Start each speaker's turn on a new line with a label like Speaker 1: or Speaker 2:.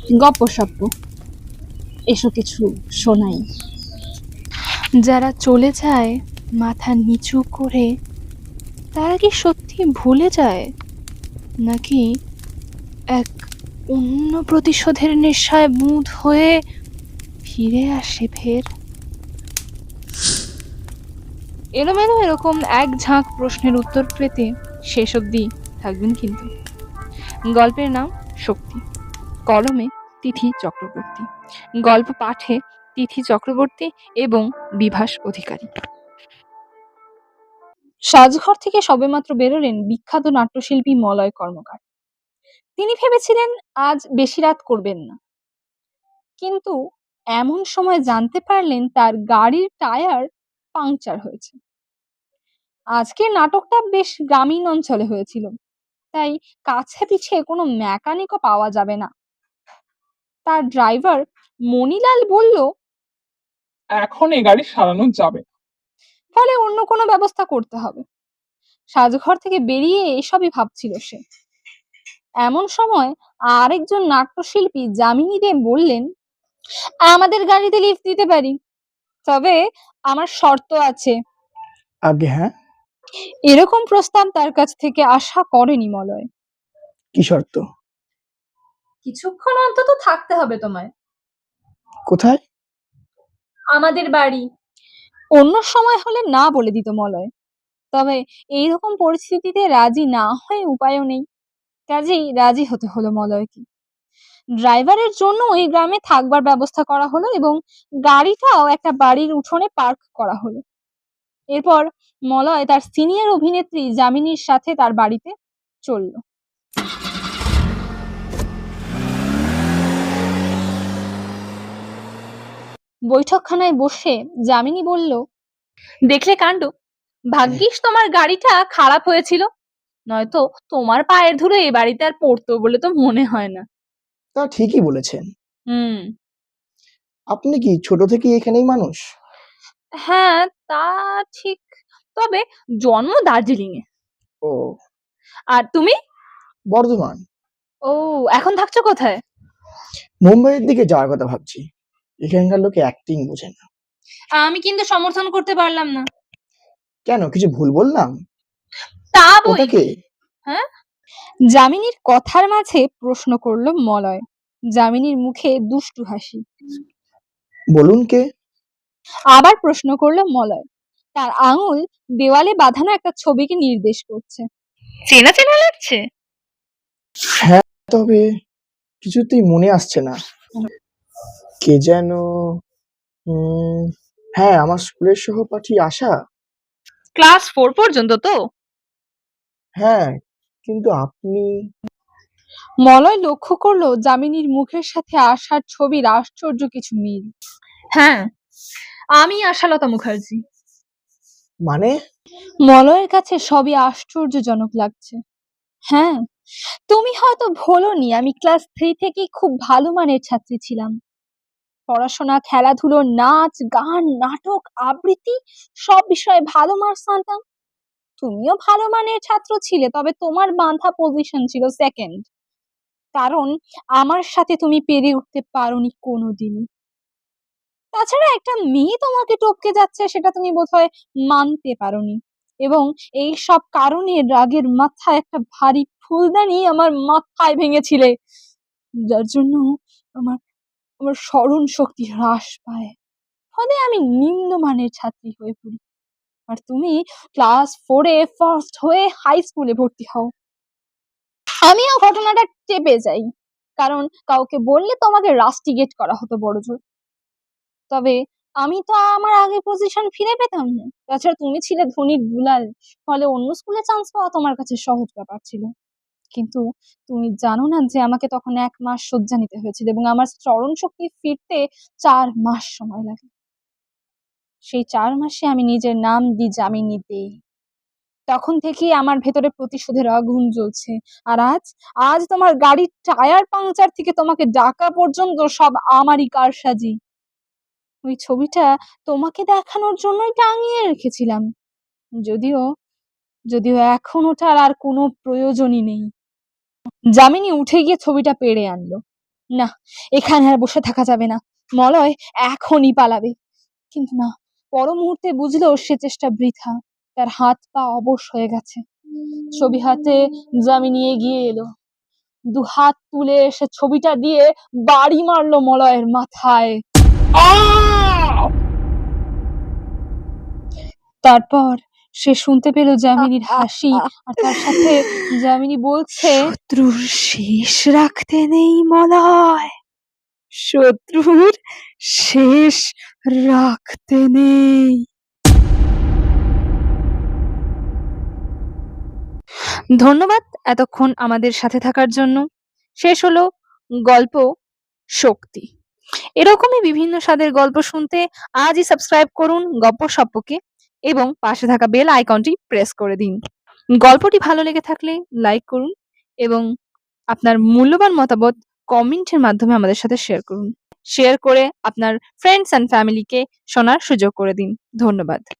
Speaker 1: গপ্পসপ্প এসব কিছু শোনাই। যারা চলে যায় মাথা নিচু করে, তারা কি সত্যি ভুলে যায়, নাকি এক অন্য প্রতিশোধের নেশায় মুদ হয়ে ফিরে আসে ফের? এলোমেলো এরকম এক ঝাঁক প্রশ্নের উত্তর পেতে শেষ অবধি থাকবেন কিন্তু। গল্পের নাম শক্তি, কলমে তিথি চক্রবর্তী, গল্প পাঠে তিথি চক্রবর্তী এবং বিভাস অধিকারী। সাজঘর থেকে সবেমাত্র বেরোলেন বিখ্যাত নাট্যশিল্পী মলয় কর্মকার। তিনি ভেবেছিলেন আজ বেশি রাত করবেন না, কিন্তু এমন সময় জানতে পারলেন তার গাড়ির টায়ার পাংচার হয়েছে। আজকের নাটকটা বেশ গ্রামীণ অঞ্চলে হয়েছিল, তাই কাছে পিছে কোনো মেকানিকও পাওয়া যাবে না। তার ড্রাইভার মণিলাল বলল,
Speaker 2: এখন এই গাড়ি সারানো যাবে,
Speaker 1: ফলে অন্য কোনো ব্যবস্থা করতে হবে। সাজঘর থেকে বেরিয়ে এসবই ভাবছিল সে। এমন সময় আরেকজন নাট্যশিল্পী যামিনী দে বললেন, আমাদের গাড়িতে লিফট দিতে পারি, তবে আমার শর্ত আছে।
Speaker 3: আগে হ্যাঁ,
Speaker 1: এরকম প্রস্তাব তার কাছ থেকে আশা করেনি মলয়।
Speaker 3: কি শর্ত?
Speaker 1: কিছুক্ষণ অন্তত থাকতে হবে তোমায়।
Speaker 3: কোথায়?
Speaker 1: আমাদের বাড়ি। অন্য সময় হলে না বলে দিত মলয়, তবে এইরকম পরিস্থিতিতে রাজি না হয়ে উপায়ও নেই, কাজেই রাজি হতে হলো মলয়কে। ড্রাইভারের জন্য ওই গ্রামে থাকবার ব্যবস্থা করা হলো এবং গাড়িটাও একটা বাড়ির উঠোনে পার্ক করা হলো। এরপর মলয় তার সিনিয়র অভিনেত্রী যামিনীর সাথে তার বাড়িতে চলল। বৈঠকখানায় বসে যামিনী বলল, দেখলে কাণ্ড, ভাগ্যিস তোমার গাড়িটা খারাপ হয়েছিল, নয়তো তোমার পায়ের ধুলো এই বাড়িতে আর পড়তো বলে তো মনে হয় না।
Speaker 3: তা ঠিকই বলেছেন।
Speaker 1: হুম,
Speaker 3: আপনি কি ছোট থেকেই এখানেই মানুষ?
Speaker 1: হ্যাঁ তা ঠিক, তবে জন্ম দার্জিলিং এ।
Speaker 3: ও,
Speaker 1: আর তুমি?
Speaker 3: বর্ধমান।
Speaker 1: ও, এখন থাকছো কোথায়?
Speaker 3: মুম্বাইয়ের দিকে যাওয়ার কথা ভাবছি। এখানকার লোকে অ্যাক্টিং বোঝে না।
Speaker 1: আমি কিন্তু সমর্থন করতে পারলাম না।
Speaker 3: কেন, কিছু ভুল বললাম?
Speaker 1: তা
Speaker 3: ওটা
Speaker 1: বই
Speaker 3: কে?
Speaker 1: হ্যাঁ, যামিনীর কথার মাঝে প্রশ্ন করলো মলয়। যামিনীর মুখে দুষ্টু হাসি।
Speaker 3: বলুন কে?
Speaker 1: আবার প্রশ্ন করলো মলয়। তার আঙুল দেওয়ালে বাঁধানো একটা ছবিকে নির্দেশ করছে। চেনা চেনা লাগছে।
Speaker 3: হ্যাঁ, তবে কিছুতেই মনে আসছে না। কে যেন? হ্যাঁ, আমার স্কুলের সহপাঠী আশা।
Speaker 1: ক্লাস 4 পর্যন্ত তো?
Speaker 3: হ্যাঁ, কিন্তু আপনি?
Speaker 1: মলয় লক্ষ্য করলো যামিনীর মুখের সাথে আশার ছবির আশ্চর্য কিছু মিল। হ্যাঁ, আমি আশালতা মুখার্জি।
Speaker 3: মানে?
Speaker 1: মলয়ের কাছে সবই আশ্চর্যজনক লাগছে। হ্যাঁ, তুমি হয়তো ভোলোনি, আমি ক্লাস 3 থেকেই খুব ভালো মানের ছাত্রী ছিলাম। পড়াশোনা, খেলাধুলো, নাচ, গান, নাটক, আবৃত্তি সব বিষয়ে ভালো মার্কস আনতাম। তুমিও ভালো মানের ছাত্র ছিলে, তবে তোমার বাঁধা পজিশন ছিল সেকেন্ড, কারণ আমার সাথে তুমি পেরে উঠতে পারোনি কোনোদিনই। তাছাড়া একটা মেয়ে তোমাকে টপকে যাচ্ছে সেটা তুমি বোধহয় মানতে পারোনি, এবং এই সব কারণে রাগের মাথায় একটা ভারী ফুলদানি আমার মাথায় ভেঙেছিলে, যার জন্য আমার আমার স্মরণ শক্তি হ্রাস পায়, ফলে আমি নিম্নমানের ছাত্রী হয়ে পড়ি। আর তুমি ক্লাস 4-এ ফার্স্ট হয়ে হাই স্কুলে ভর্তি হও। আমিও ঘটনাটা চেপে যাই, কারণ কাউকে বললে তোমাকে রাস্টিগেট করা হতো বড়জোর। তবে আমি তো আমার আগের পজিশন ফিরে পেতাম না। তাছাড়া তুমি ছিলে ধনীর দুলাল, ফলে অন্য স্কুলে চান্স পাওয়া তোমার কাছে সহজ ব্যাপার ছিল। কিন্তু তুমি জানো না যে আমাকে তখন 1 মাস শয্যা নিতে হয়েছিল এবং আমার স্মরণ শক্তি ফিরতে 4 মাস সময় লাগে। সেই 4 মাসে আমি নিজের নাম দিই যামিনী দে। তখন থেকেই আমার ভেতরে প্রতিশোধের আগুন জ্বলছে। আর আজ আজ তোমার গাড়ির টায়ার পাংচার থেকে তোমাকে ডাকা পর্যন্ত সব আমারই কারসাজি। ওই ছবিটা তোমাকে দেখানোর জন্যই টাঙিয়ে রেখেছিলাম, যদিও যদিও এখন ওটার আর কোনো প্রয়োজনই নেই। যামিনী উঠে গিয়ে ছবিটা পেড়ে আনলো। না, এখানে আর বসে থাকা যাবে না। মলয় এখনই পালাবে। কিন্তু না, পর মুহূর্তে বুঝলো সে চেষ্টা বৃথা। তার হাত পা অবশ হয়ে গেছে। ছবি হাতে যামিনী এগিয়ে এলো। দুহাত তুলে সে ছবিটা দিয়ে বাড়ি মারলো মলয়ের মাথায়।
Speaker 2: আহ!
Speaker 1: তারপর সে শুনতে পেল যামিনীর হাসি, আর তার সাথে যামিনী বলছে, শত্রুর শেষ রাখতে নেই মলয়, শত্রুর শেষ রাখতে নেই। ধন্যবাদ এতক্ষণ আমাদের সাথে থাকার জন্য। শেষ হলো গল্প শক্তি। এরকমই বিভিন্ন স্বাদের গল্প শুনতে আজই সাবস্ক্রাইব করুন গপ্পসপ্পকে এবং পাশে থাকা বেল আইকনটি প্রেস করে দিন। গল্পটি ভালো লেগে থাকলে লাইক করুন এবং আপনার মূল্যবান মতামত কমেন্টের মাধ্যমে আমাদের সাথে শেয়ার করুন। শেয়ার করে আপনার ফ্রেন্ডস অ্যান্ড ফ্যামিলিকে শোনার সুযোগ করে দিন। ধন্যবাদ।